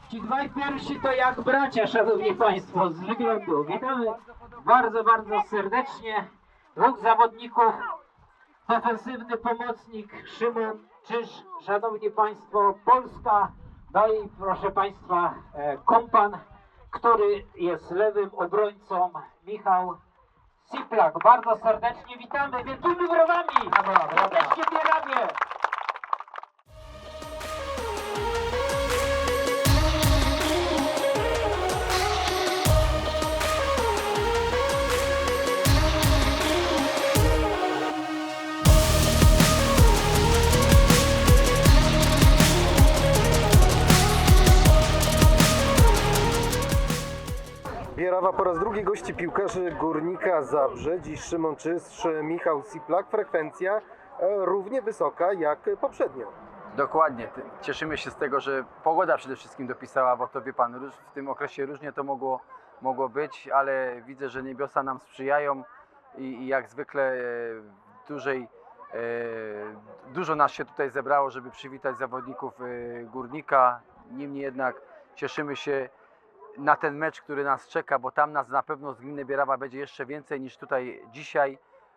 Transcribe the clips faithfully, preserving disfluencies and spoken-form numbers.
Ci dwaj pierwsi to jak bracia, szanowni państwo, z wyglądu. Witamy bardzo, bardzo serdecznie. Dwóch zawodników, defensywny pomocnik Szymon Czyż, szanowni państwo, Polska. No i proszę państwa, kompan, który jest lewym obrońcą, Michał Siplak. Bardzo serdecznie witamy, wielkimi brawami! Serdecznie bieramy! Bierawa po raz drugi gości piłkarzy Górnika Zabrze. Dziś Szymon Czyż, Michał Siplak. Frekwencja e, równie wysoka jak poprzednio. Dokładnie. Cieszymy się z tego, że pogoda przede wszystkim dopisała, bo to wie pan, w tym okresie różnie to mogło, mogło być, ale widzę, że niebiosa nam sprzyjają i, i jak zwykle e, dużej, e, dużo nas się tutaj zebrało, żeby przywitać zawodników e, Górnika. Niemniej jednak cieszymy się na ten mecz, który nas czeka, bo tam nas na pewno z gminy Bierawa będzie jeszcze więcej niż tutaj dzisiaj,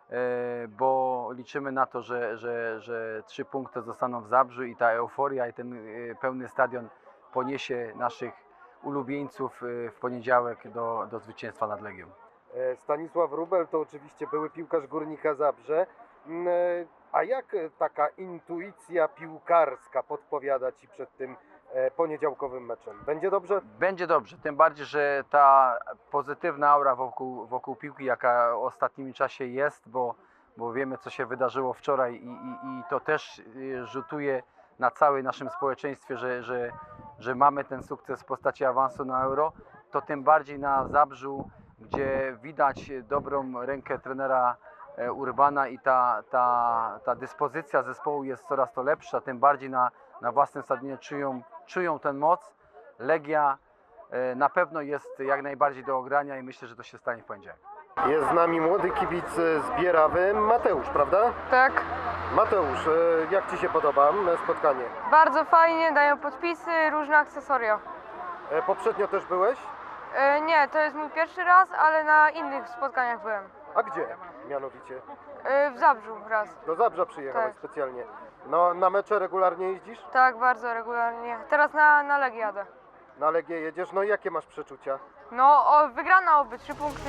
bo liczymy na to, że, że, że trzy punkty zostaną w Zabrzu i ta euforia i ten pełny stadion poniesie naszych ulubieńców w poniedziałek do, do zwycięstwa nad Legią. Stanisław Wróbel to oczywiście były piłkarz Górnika Zabrze. A jak taka intuicja piłkarska podpowiada Ci przed tym poniedziałkowym meczem? Będzie dobrze? Będzie dobrze, tym bardziej, że ta pozytywna aura wokół, wokół piłki, jaka w ostatnim czasie jest, bo, bo wiemy, co się wydarzyło wczoraj i, i, i to też rzutuje na całym naszym społeczeństwie, że, że, że mamy ten sukces w postaci awansu na Euro, to tym bardziej na Zabrzu, gdzie widać dobrą rękę trenera Urbana i ta, ta, ta dyspozycja zespołu jest coraz to lepsza, tym bardziej na, na własnym stadionie czują czują tę moc. Legia na pewno jest jak najbardziej do ogrania i myślę, że to się stanie w poniedziałek. Jest z nami młody kibic z Bierawy, Mateusz, prawda? Tak. Mateusz, jak Ci się podoba spotkanie? Bardzo fajnie, dają podpisy, różne akcesoria. Poprzednio też byłeś? E, nie, to jest mój pierwszy raz, ale na innych spotkaniach byłem. A gdzie mianowicie? E, w Zabrzu raz. Do Zabrza przyjechałeś Tak. specjalnie. No, na mecze regularnie jeździsz? Tak, bardzo regularnie. Teraz na, na Legię jadę. Na Legię jedziesz? No i jakie masz przeczucia? No, o, wygrana oby, trzy punkty.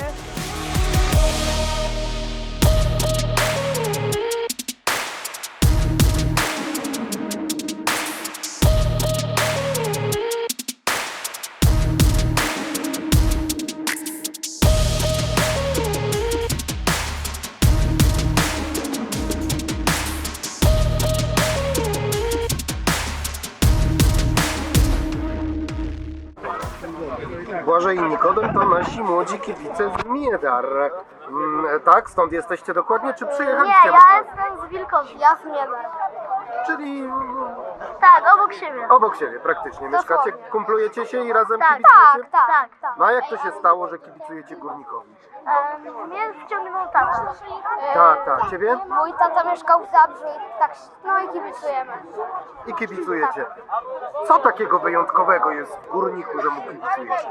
Błażej i Nikodem to nasi młodzi kibice z Miedar. Mm, tak? Stąd jesteście dokładnie? Czy Nie, przyjechaliście? ja jestem z Wilkowic, ja z Miedar. Czyli Tak, obok siebie. obok siebie praktycznie. Mieszkacie, Dosłownie. kumplujecie się i razem Tak, kibicujecie? tak, tak, tak. No a jak to się stało, że kibicujecie Górnikowi? E, mnie wciągnął tata. E, Tak, tak. Ciebie? Mój tata mieszkał w Zabrzu i tak, no i kibicujemy. I kibicujecie. Co takiego wyjątkowego jest w Górniku, że mu kibicujecie?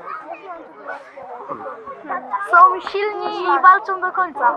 Są silni i walczą do końca.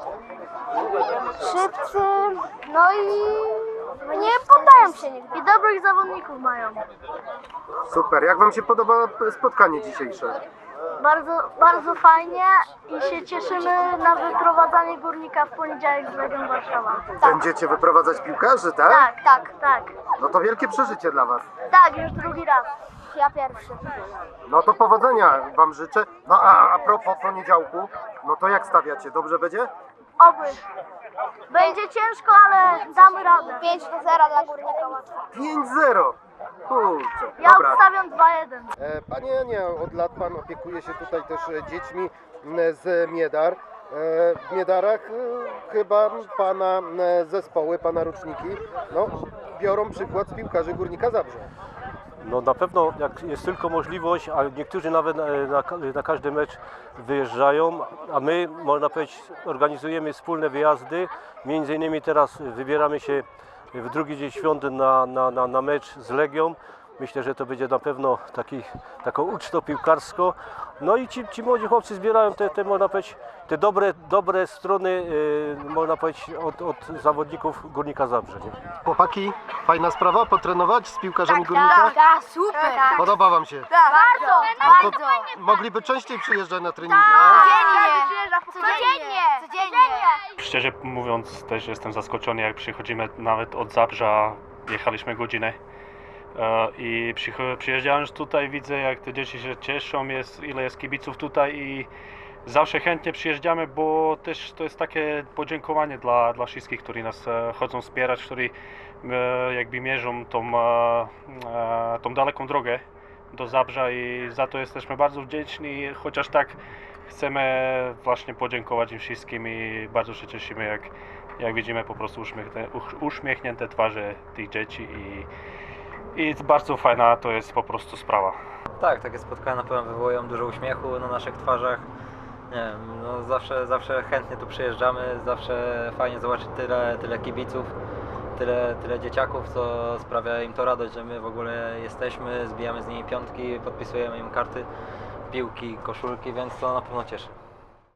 Szybcy, no i nie poddają się nigdy. I dobrych zawodników mają. Super. Jak wam się podoba spotkanie dzisiejsze? Bardzo, bardzo fajnie i się cieszymy na wyprowadzanie Górnika w poniedziałek z Legią Warszawa. Będziecie wyprowadzać piłkarzy, tak? Tak, tak, tak. No to wielkie przeżycie dla was. Tak, już drugi raz. Ja pierwszy. No to powodzenia wam życzę. No a a propos poniedziałku, no to jak stawiacie? Dobrze będzie? Oby. Będzie ciężko, ale damy radę. pięć do zera dla Górnika. pięć zero. Kurczę, Ja dobra. obstawiam dwa jeden. E, Panie Janie, od lat Pan opiekuje się tutaj też e, dziećmi m, z Miedar. E, W Miedarach e, chyba Pana e, zespoły, Pana roczniki, no, biorą przykład z piłkarzy Górnika Zabrze. No na pewno jak jest tylko możliwość, a niektórzy nawet na, na, na każdy mecz wyjeżdżają, a my, można powiedzieć, organizujemy wspólne wyjazdy. Między innymi teraz wybieramy się w drugi dzień świąt na, na, na, na mecz z Legią. Myślę, że to będzie na pewno taki, taką ucztą piłkarsko. No i ci, ci młodzi chłopcy zbierają te, te, można powiedzieć, te dobre, dobre strony, yy, można powiedzieć, od, od zawodników Górnika Zabrze. Nie? Chłopaki, fajna sprawa, potrenować z piłkarzami Górnika? Tak, super. Podoba wam się? Bardzo, No to mogliby częściej przyjeżdżać na treningi. Codziennie, codziennie, codziennie. Szczerze mówiąc, też jestem zaskoczony, jak przychodzimy nawet od Zabrza, jechaliśmy godzinę e, i przycho- przyjeżdżając tutaj, widzę, jak te dzieci się cieszą, jest, ile jest kibiców tutaj i zawsze chętnie przyjeżdżamy, bo też to jest takie podziękowanie dla, dla wszystkich, którzy nas e, chodzą wspierać, którzy e, jakby mierzą tą, e, e, tą daleką drogę do Zabrza i za to jesteśmy bardzo wdzięczni, chociaż tak chcemy właśnie podziękować im wszystkim i bardzo się cieszymy, jak, jak widzimy po prostu uśmiechnięte, uśmiechnięte twarze tych dzieci i, i bardzo fajna to jest po prostu sprawa. Tak, takie spotkania na pewno wywołują dużo uśmiechu na naszych twarzach. Nie wiem, no zawsze, zawsze chętnie tu przyjeżdżamy, zawsze fajnie zobaczyć tyle, tyle kibiców, tyle, tyle dzieciaków, co sprawia im to radość, że my w ogóle jesteśmy, zbijamy z nimi piątki, podpisujemy im karty, piłki, koszulki, więc to na pewno cieszy.